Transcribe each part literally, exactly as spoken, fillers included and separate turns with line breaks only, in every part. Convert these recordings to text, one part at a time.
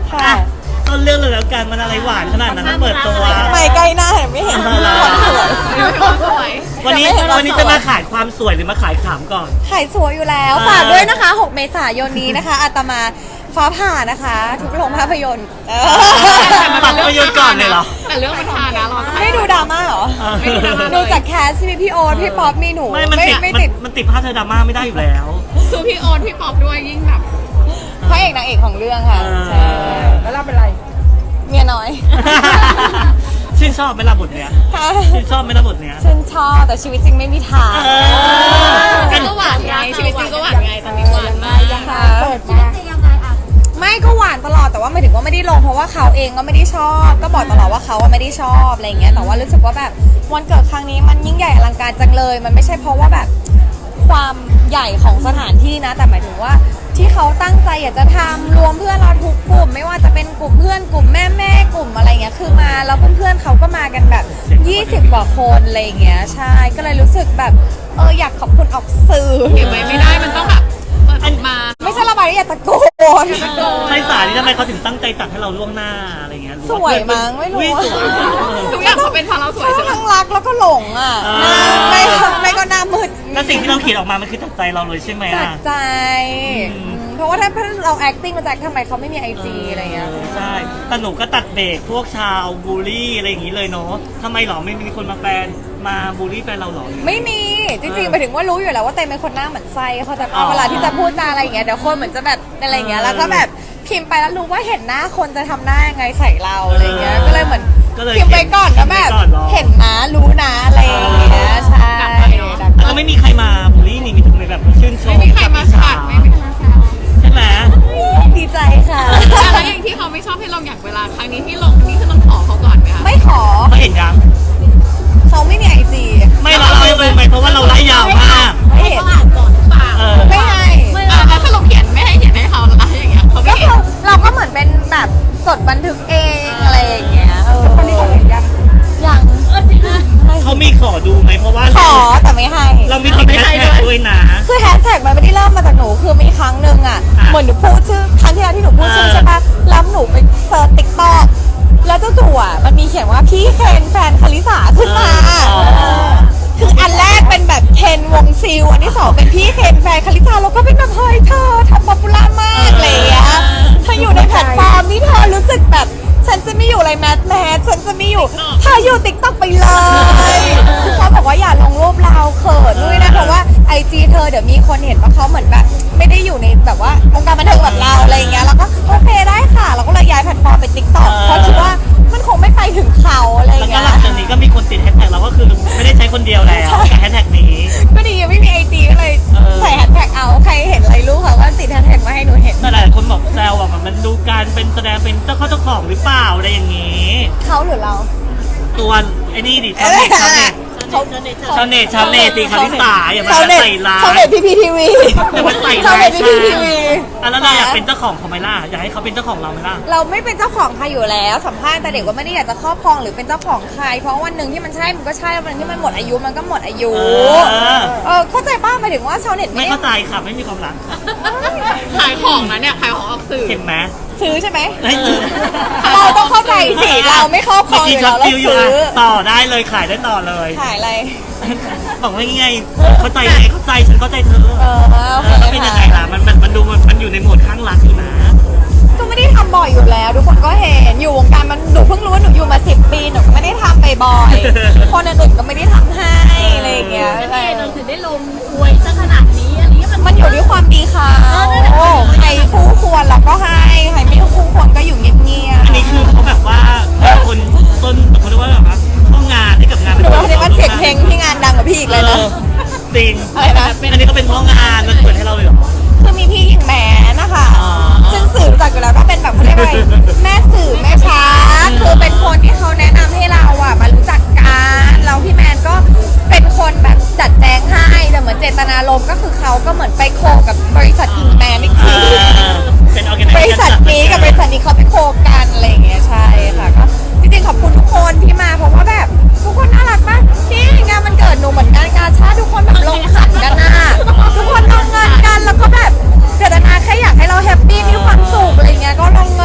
ค่ะต้นเรื่องเลยแล้วกันมันอะไรหวานขนาดนั้นเปิดตัว
ไม่ใกล้หน้าเห็นไม่เห็นความสวย
วันนี้วันนี้จะมาขายความสวยหรือมาขายขำก่อน
ขายสวยอยู่แล้วฝากด้วยนะคะหกเมษายนนี้นะคะอาตมาฟ้าผ่านะคะทุกโรงภาพยนตร์
ตัดภาพยนตร์ก่อนเลยเหรอ
แต่เรื่องมันทานะเรา
ไม่ดูดราม่าเหรอ
ไม่ดูดราม่า
ดูจากแคสที่มีพี่โอ๊ตพี่ป๊อปมีหนู
ไม่มันติด
ไม่
มัน
ติด
มันติดภาพเธอดราม่าไม่ได้อยู่แล้ว
คือพี่โอ๊ตพี่ป๊อปด้วยยิ่งแบบ
พระเอกนางเอกของเรื่องค่ะ
เออ
ใช่แล้วเราเป็นไรเมียน้อย
ชื่นชอบไหมล่ะบทเนี้ยชื่นชอบไหมล่ะบทเนี้ย
ฉันชอบแต่ชีวิตจริงไม่มีทาง
เออ
กันก็หวานไงชีวิตจริงก็หวานไงตอนนี้หวานมาก
ค่ะไม่ก็หวานตลอดแต่ว่าไม่ถึงว่าไม่ได้ลงเพราะว่าเขาเองก็ไม่ได้ชอบ ก็บอกตลอดว่าเขาอะไม่ได้ชอบอะไรเงี้ยแต่ว่ารู้สึกว่าแบบวันเกิดครั้งนี้มันยิ่งใหญ่อลังการจังเลย มันไม่ใช่เพราะว่าแบบความใหญ่ของสถานที่นะ แต่หมายถึงว่าที่เขาตั้งใจอยากจะทำรวมเพื่อนเราทุกกลุ่ม ไม่ว่าจะเป็นกลุ่มเพื่อนกลุ่มแม่แม่กลุ่มอะไรเงี้ยคือมาแล้วเพื่อนๆเขาก็มากันแบบยี่สิบกว่าคนอะไรเงี้ยใช่ก็เลยรู้สึกแบบเอออยากขอบคุณออกสื่อ
เก็บไว้ไม่ได้มันต้องแบบเปิดออกมา
ไม่ใช่ระบายอยากตะโกน
ไพศาลนี่ทำไมเขาถึงตั้งใจตัดให้เราล่วงหน้าอะไรเงี้ยหรือ
ส
ว่า
วยมั้งไม่รู้
อุ๊ย
อะ
สวย
ทุกอย่างเขาเป็นเพราะเราสวย
ช
ใช่
อบ
ไหม
ทั้งรักแล้วก็หลงอ่ะ
อ่า
หน้าไม่ไม่ก็หน้ามืด
แล้วสิ่งที่เราเขียนออกมามันคือจากใจเราเลยใช่ไหม
จั
อ่ะ
ดใจ
อืม
อืมเพราะว่าถ้าเรา acting มาจากทำไมเขาไม่มีไอจีอะไรเงี้ย
ใช่แต่หนูก็ตัดเบรกพวกชาวบูลลี่อะไรอย่างนี้เลยเนาะทำไมหรอไม่มีคนมาแฟนมาบูลลี่แฟนเราหรอ
ไม่มีจริงๆหมายถึงว่ารู้อยู่แล้วว่าเตยเป็นคนหน้าเหมือนไส้เขาใจะ
อ๋อ
เวลาที่จะพูดจาอะไรอย่างเงี้ยเดี๋ยวคนเหมือนจะแบบอะไรเงี้ยแล้วก็แบบพิมพ์ไปแล้วรู้ว่าเห็นหน้าคนจะทำหน้ายังไงใส่เราอะไรเงี้ยก็เลยเหมือน
ก็เลย
พิมพ์ไปก่อนก็แบบ
พิมพ์ไปก่อนหรอ
เห็นนะรู้นะอะไรอย่างเงี้ยใช่
แล้วไม่มีใครมาบูลลี่นี่มีทำไมแบบชื่นชม
ไม่มีใครมาขัดไม่มีใครมาแซว
ใช่ไหม
ดีใจค่ะ
แล้วอย่างที่เขาไม่ชอบให้ลงอย่างเวลาครั้งนี้ที่ลงนี่คือต้องขอเขาก่อนไหมคะ
ไม่ขอ
เขาเห็นยัง
เขาไม่มีไอจี
ไม่เราเราไปไปเพราะว่าเราไล่ยาวมาก
ไม่เห็น
เปล่า
เออ
ไม่ให้
อ่ะแล้วถ้าเราเขียนไม่ให้เขียนให้เขาแล้วอย่างเงี้ยเขาไม่
ก็
เห็น
คือเราก็เหมือนเป็นแบบจดบันทึกเองอะไรอย่างเงี้ยเออคนนี้เขาเห็นยังยัง
เขามีขอดูไหมเพราะว่า
ขอแต่ไม่ให้
เรามีติดแฮชแท็กด้วยนะ
คือแฮชแท็กมันไม่ได้เริ่มมาจากหนูคือมีครั้งหนึ่งอ่ะ
อ่ะ
เหมือนหนูพูดชื่อครั้งที่แล้วที่หนูพูดชื่อ
เออ
ใช่ปะแล้วหนูไปเซิร์ชติ๊กต็อกแล้วเจ้าจู่อ่ะมันมีเขียนว่าพี่เคนแฟนคาริสาขึ้นมา
อ๋อ
คืออันแรกเป็นแบบเคนวงซิลอันที่สองเป็นพี่เคนแฟนคาริสาแล้วก็เป็นแบบเฮ้ยเธอทำป๊อปปูล่ามากอะไรอย่างเงี้ยเธออยู่ในแพลตฟอร์มนี่เธอรู้สึกแบบฉันจะไม่อยู่อะไรแมสแมสฉันจะไม่อยู่เธออยู่ติ๊กต็อกไปเลยคือเขาบอกว่าอย่าลงรูปเราเขินด้วยนะเพราะว่าไอจีเธอเดี๋ยวมีคนเห็นว่าเขาเหมือนแบบไม่ได้อยู่ในแบบว่าวงการบันเทิงแบบเราอะไรอย่างเงี้ยแล้วก็โอเคได้ค่ะเราก็เลยย้ายแพลตฟอร์มเป็นติ๊กต็อกเพราะคิดว่ามันคงไม่ไปถึงเขาอะไรอ
แล้ว
ย่าง
ก็
เงี้
หลั
ย
งจากนี้ก็มีคนติดแฮชแท็กเราก็คือไม่ได้ใช้คนเดียวแล้วกับแฮชแท็กนี้
ก็ดีไม่มีไอจีก็เลย
เออ
ใส่แฮชแท็กเอาใครเห็นอะไรรู้ค่ะว่าติดแฮชแท็กมาให้หนูเห็น
แต่หลายคนบอกแซวอะมันดูการเป็นแสดงเป็นเจ้าเข้าเจ้าของหรือเปล่าอะไรอย่างนี้
เขาหรือเรา
ตัวไอ้นี่ดิชาวเน็ตชาวเน็ต
เขา
ชาวเน็ตชาวเน็ตตีคาริสาอย่ามา
ชาวเน็ต
ใส่ร้าย
ชาวเน็ตพีพีทีวี
อย่ามาใส่
ชาว
ร้าย
เน็ตพีพีทีวี
อ่ะแล้วเราอยากเป็นเจ้าของเขาไหมล่ะอยากให้เขาเป็นเจ้าของเราไหมล่ะ
เราไม่เป็นเจ้าของใครอยู่แล้วสัมภาษณ์แต่เด็กว่าไม่ได้อยากจะครอบครองหรือเป็นเจ้าของใคร เพราะวันหนึ่งที่มันใช่มันก็ใช่วันหนึงที่มันหมดอายุมันก็หมดอายุ
เออ
เออเข้าใจป้าหมายถึงว่าชาวเน็ต
ไม่
ไม่ได้
เข้าใจค่ะไม่มีความรักค่ะ
ขายของนะเนี่ยขายของออกสื่อ
เห็นไหม
ซื้อใช่ไหม
ให้ซื้อ
เราต้องเข้าใจสิเราไม่ครอบครองอยู่แล้วเรา
มื่กี้ช็อตฟิล
ซื้อ
อะต่อได้เลยขายได้ต่อเลย
ขายอะไร
บอกว่าไงเข้าใจไหมเข้าใจฉันเข้าใจเธอ
เออโอเค
แล้วเป็นยังไงล่ะมันมันมันดูมันมันอยู่ในโหมดข้างรักอยู่นะ
ก็ไม่ได้ทำบ่อยอยู่แล้ว ทุกคนก็เห็นอยู่วงการมันหนูเพิ่งรู้ว่าหนูอยู่มาสิบปีหนูก็ไม่ได้ทำบ่อยๆคนอื่นๆก็ไม่ได้ทำให้อะไรอย่างเงี้ย
แล้วพี่เอเราถึงได้ลงอวยซะขนาดนี้อันนี้มัน
มันอยู่ที่ความดีค่ะใครคู่ควรเราก็ให้ใครไม่คู่ควรก็อยู่เงียบ
อันนี้คือเขาแบบว่าคนต้นเขาเรียกว่าแบบว่าเข้างานให้กับงาน
ๆหนูว่าคนนี้มันเสียงเพลงที่งานดังกว่าพี่อีกเลยนะ
ออจริง
อะไรนะ
อันนี้ก็เป็นเพราะงานมันเปิดให้เราเลยเหรอ
คือมีพี่หญิงแหมนะคะ
อ๋อ
ซึ่งสื่อรู้จักอยู่แล้วก็เป็นแบบเขาเรียกว่าอะไรแม่สื่อแม่ช้าคือเป็นคนที่เขาแนะนำให้เราอ่ะมารู้จักกันแล้วพี่แมนก็เป็นคนแบบจัดแจงให้แต่เหมือนเจตนารมณ์ก็คือเขาก็เหมือนไปโคกับบริษัทหญิงแมนอีกที
เป็นออแกไน
บริษัทนี้กับบริษัทนี้เขาไปโคกันอะไรอย่างเงี้ยใช่ค่ะก็จริงๆขอบคุณทุกคนที่มาเพราะว่าแบบทุกคนน่ารักมากที่งานมันเกิดหนูเหมือนงานกาชาติทุกคนแบบลงขันกันนะทุกคนลงเงินกันแล้วก็แบบเจตนาแค่อยากให้เราแฮปปี้มีความสุขอะไรเงี้ยก็ลง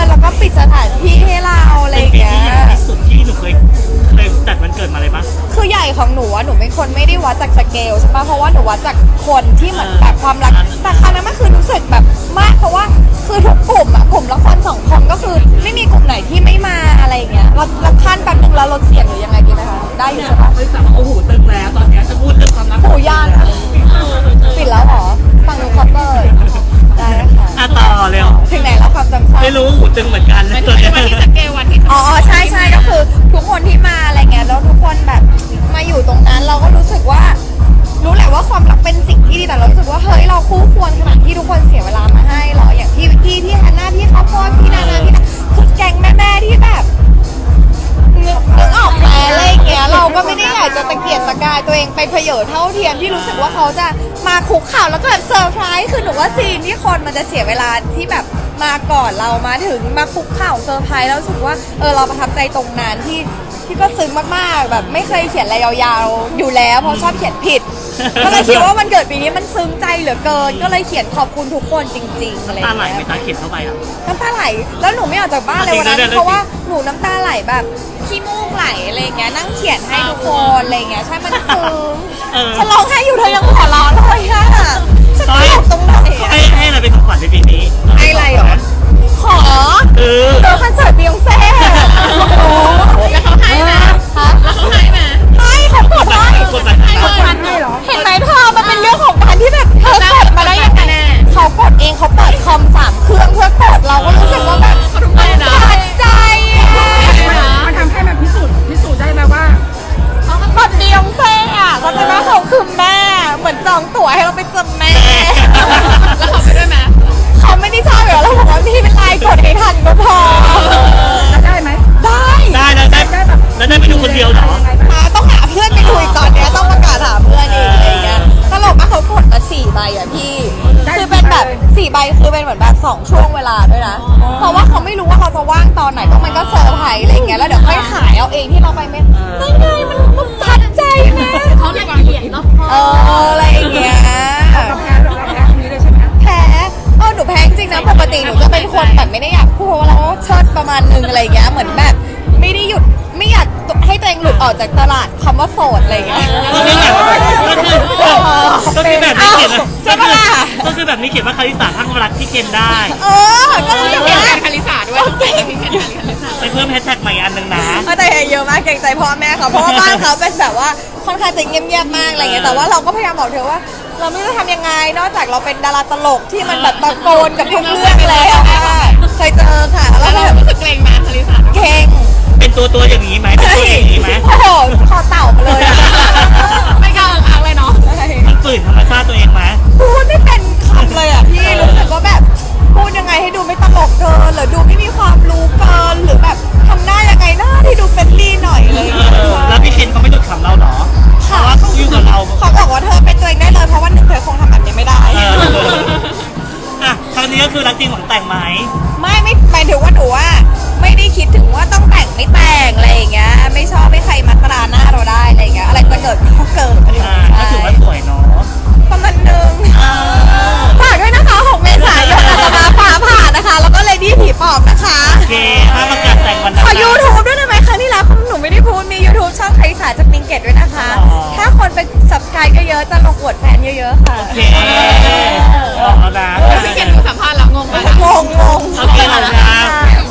คนไม่ได้วัดจากสเกลใช่ปะเพราะว่าหนูวัดจากคนที่เหมือนแบบความรักแต่ครั้งนั้นมันคือรู้สึกแบบมากเพราะว่าคือทุกกลุ่มอะกลุ่มละครสองคนก็คือไม่มีกลุ่มไหนที่ไม่มาอะไรอย่างเงี้ยเราเราขั้นแป๊บนึงแล้วลดเสียงหรือยังไงดีไหมคะได้อยู่ใช่ปะ
เฮ้ยแต่ว่าโอ้โหตึงแล้วตอนเนี้ยจะพูดเรื่องความรัก
หูยานปิดแล้วเหรอฟังดูคัพเปอร์ได้ค่ะ
อ่ะต่อเร็ว
ถึงไหนแล้วความจำสั้น
ไม่รู้หูตึงเหมือนกัน
มัน
ตัว
เป็น
เนี้ย
วันที่สเกลวันที่
อ๋ออ๋อใช่ใช่ก็คือทุกคนที่มาอะไรเงี้ยแล้วทุกคนแบบมาอยู่ตรงนั้นเราก็รู้สึกว่า รู้แหละว่าความรักเป็นสิ่งที่ดีแต่เรารู้สึกว่าเฮ้ยเราคู่ควรขนาดที่ทุกคนเสียเวลามาให้เหรออย่างพี่วิกกี้พี่ฮันน่าพี่ข้าวโพดพี่นานาพี่นาคือแก๊งแม่ๆที่แบบนึกนึกออกไหมอะไรอย่างเงี้ยเราก็ไม่ได้อยากจะตะเกียกตะกายตัวเองไปเพเยอเท่าเทียมที่รู้สึกว่าเขาจะมาคุกเข่าแล้วก็แบบเซอร์ไพรส์คือหนูว่าซีนที่คนมันจะเสียเวลาที่แบบมาก่อนเรามาถึงมาคุกเข่าเซอร์ไพรส์แล้วรู้สึกว่าเออเราประทับใจตรงนั้นที่ที่ก็ซึ้งมากๆแบบไม่เคยเขียนอะไรยาวๆอยู่แล้วเพราะชอบเขียนผิด ก็เลยคิดว่าวันเกิดปีนี้มันซึ้งใจเหลือเกิน ก็เลยเขียนขอบคุณทุกคนจริงๆอะไรอ
ตา
ย่าง
ไหล
เงี้ย
ไม่ตาเข็มเข้าไปอ่ะ
น้ำตาไหลแล้วหนูไม่ออกจากบ้านเลยวันนั้น
จริงๆๆๆ
เพราะว่าหนูน้ำตาไหลแบบขี้มูกไหลอะไรอย่างเงี้ยนั่งเขียนให้ทุกคนอะไรอย่างเงี้ยใช่มันซึ้ง
เออ
ฉันร้องไห้อยู่เธอยังหัวเราะเลยอะฉันตลกตรงไหนอะ
ให้ให้อะไรเป็นของขวัญในปีนี้
ให้อะไรเหรอขอ
เออ
เจอคอนเสิร์ตบียองเซ่โอ้โห
แล้วเขาให้ไหม
ฮะ
แล้วเขาให้ไหม
ให้เขากดให้
กดไปให้
เขา
กด
ให้
ไป
ให้เหรอ
เห็นไหมเธอมันเป็นเรื่องของการที่แบบเธอกดมาได้ยังไง
แน่
เขากดเองเขาเปิดคอมสามเครื่องเพื่อกดเราก็รู้สึกว่าแบบ
เขาทำไมนะ
ตัดใจอะ
มันทำให้มันพิสูจน์พิสูจน์ได้ไหมว่า
เขาก็กดบียองเซ่อะเขาจะว่าเขาคือแม่เหมือนจองตั๋วให้เราไปเจอแม่
แล้วเขาไปด้วยไหม
เขาไม่ได้ชอบอยู่แล้วเราบอกว่าพี่เป็นไรกดให้ทันก็พอ
จะได้ไหม
ได้
ได้แล้วได้แล้วได้ไปดูคนเดียวเหรอ
มาต้องหาเพื่อนไปคุยตอนเนี้ยต้องประกาศหาเพื่อนเองอะไรอย่างเงี้ยตลกมากเขากดมาสี่ใบอะพี่ คือเป็นแบบสี่ใบคือเป็นเหมือนแบบสองช่วงเวลาด้วยนะ เพราะว่าเขาไม่รู้ว่าเราจะว่างตอนไหนก็มันก็เซอร์ไพรส์อะไรอย่างเงี้ยแล้วเดี๋ยวค่อยขายเอาเองที่เราไปไม่ได้ไงมันมันทัดใจนะ
เขาละเอียดรอบคอบ
เอออะไรอย่างเงี้ย
เราแพ้เราแพ้ตรงนี้เลยใช่ไหม
แพ้เออหนูแพ้จริงๆนะปกติหนูจะเป็นคนแบบไม่ได้อยากพูดเพราะว่าเราเชิดประมาณนึงอะไรอย่างเงี้ยเหมือนแบบไม่ได้หยุดไม่อยากให้ตัวเองหลุดออกจากตลาดคำว่าโสดอะไรอย่างเงี้ย
ก็คือแบบก็คือก็คือแบบนี้เขียน
ใช่ปะล่ะ
ก็คือแบบนี้เขียนว่าคาริสาทั้งรักที่เกณฑ์ได้
เออก็รู้สึก
มี
ว่า
แคนคาริสาด้วยมีแคนคาริสา
ไปเพิ่มแฮชแท็กใหม่อันหนึ่งนะ
เออแต่เยอะมากเกรงใจพ่อแม่เขาเพราะว่าบ้านเขาเป็นแบบว่าค่อนข้างจะเงียบๆมากอะไรเงี้ยแต่ว่าเราก็พยายามบอกเธอว่า เราไม่รู้จะทำยังไงนอกจากเราเป็นดาราตลกที่มันแบบตะโกนกับทุกเรื่องแล้วอะเคยเจอค่ะแล้ว
แล้ว
ก็
เรา
แบบ
รู้สึกเกรงไหมคาริสาด้วย
เก่ง
เป็นตัวตัวอย่างนี้ไหมเป็นตัวอย่างนี้ไหม
โอ้โหคอเต่ามาเลยอะ
ไม่กล้าพักเลยเนาะ
มันฝืนธรรมชาติตัวเองไหม
พูดไม่เป็นคำเลยอ่ะพี่รู้สึกว่าแบบพูดยังไงให้ดูไม่ตลกเกินหรือดูไม่มีความรู้เกินหรือแบบทำหน้ายังไงหน้าที่ดูเฟรนลี่หน่อยเลย
เออแล้วพี่เคนเขาไม่หยุดขำเราเหรอเพ
ค่ะ
ราะว่าเขาอยู่กับเรา
เขาบอกว่าเธอเป็นตัวเองได้เลยเพราะว่าหนึ่งเธอคงทำแบบนี้ไม่ได้
เอออ่ะครั้งนี้ก็คือรักจริงหวังแต่งไหม
ไม่ไม่หมายถึงว่าหนูว่าไม่ได้คิดถึงว่าต้องแต่งไม่แต่งอะไรอย่างเงี้ยไม่ชอบให้ใครมาตราหน้าเราได้อะไรอย่างเงี้ยอะไรจะเกิดก็เกิดอะไรอย่าง
อ่า
เงี้ย
ก็ถือว่าสวยเนาะ
ประมาณนึงฝากด้วยนะคะหกเมษายนอาจจะมาฟ้าผ่านะคะ แล้วก็เลดี้ผีปอบนะคะ
โอเคถ้าประกาศแต่งวันนั้
ข
น
อ
นะ
YouTube ด้วยได้ไหมครั้งที่แล้วหนูไม่ได้พูดมี YouTube ช่องคาริสาจากปิงเกตด้วยนะคะ
อ๋อ
ถ้าคนไป subscribe เยอะๆจะลงอวดแฟนเยอะๆค่ะ
โอเคบอกแล้วนะ
พี่เคนดูสัมภาษณ์แล้วงงไหม
งงงง
โอเคขอบคุณครับ